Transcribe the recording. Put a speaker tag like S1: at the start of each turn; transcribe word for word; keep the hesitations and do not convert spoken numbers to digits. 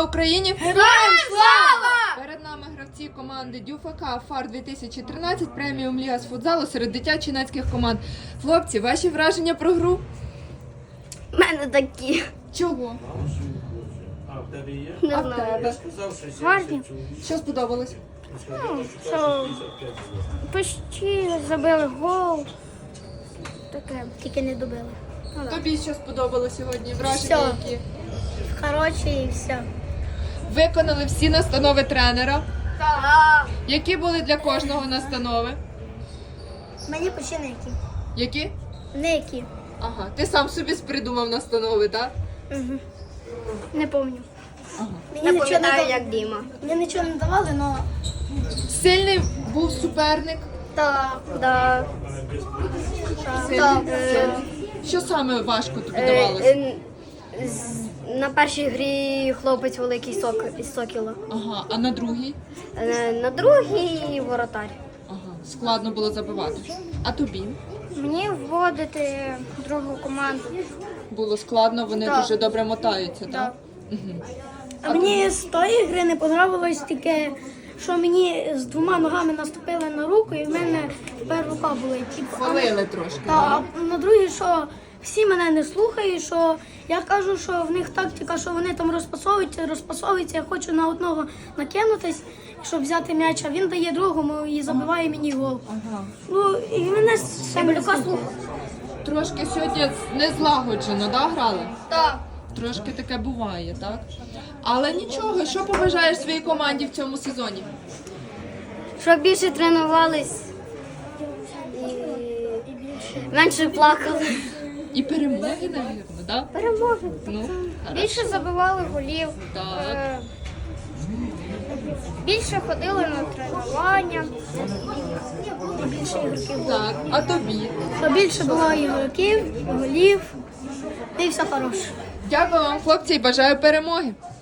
S1: Україні!
S2: Героям слава!
S1: Перед нами гравці команди ДЮФАК ФАР дві тисячі тринадцять, преміум ліга з футзалу серед дитячо-юнацьких команд. Хлопці, ваші враження про гру?
S2: У мене такі.
S1: Чого?
S3: А в тебе є?
S2: Не
S1: А в
S2: знаю.
S1: тебе?
S3: Сказав, що
S2: Гарні.
S1: Що сподобалось?
S2: Ну, що почти забили гол. Таке. Тільки не добили. Ну, да.
S1: Тобі що сподобалось сьогодні? Враження
S2: Всьо.
S1: які?
S2: Хороші і все.
S1: Виконали всі настанови тренера.
S2: Так.
S1: Які були для кожного настанови?
S2: Мені почти не які.
S1: Які?
S2: Не які.
S1: Ага, ти сам собі придумав настанови, так?
S2: Угу. Не пам'ятаю.
S1: Ага.
S2: Мені нічого не дав... як Діма. Мені нічого не давали, але...
S1: Сильний був суперник.
S2: Так, да.
S1: Сильний.
S2: Так.
S1: Сильний. Що саме важко тобі
S2: Е,
S1: давалося?
S2: е, з- На першій грі хлопець великий сок із Сокіла.
S1: Ага, а на другій?
S2: Е, На другій воротар.
S1: Ага, складно було забивати. А тобі?
S2: Мені вводити другу команду.
S1: Було складно, вони
S2: Так.
S1: дуже добре мотаються, так?
S2: Так.
S1: Угу.
S4: А мені з тої гри не подобалось таке, що мені з двома ногами наступили на руку і в мене тепер рука болить. Типу, а
S1: Хвалили трошки.
S4: Та, а на другій, що всі мене не слухають, що я кажу, що в них тактика, що вони там розпасовуються, розпасовуються, я хочу на одного накинутись, щоб взяти м'яч, а він дає другому і забиває мені гол.
S1: Ага.
S4: Ну, і мене Семелюка слухав.
S1: Трошки сьогодні не злагоджено, да, грали?
S2: Так.
S1: Трошки таке буває, так? Але нічого, що побажаєш своїй команді в цьому сезоні?
S2: Щоб більше тренувались і менше плакали.
S1: І перемоги, навірно, так?
S2: Перемоги.
S1: Ну,
S2: Більше забивали голів.
S1: так.
S2: Е, Більше ходили на тренування.
S4: І більше ігроків.
S1: Так, а тобі?
S4: Щоб більше було ігроків, голів, і все хороше.
S1: Дякую вам, хлопці, і бажаю перемоги.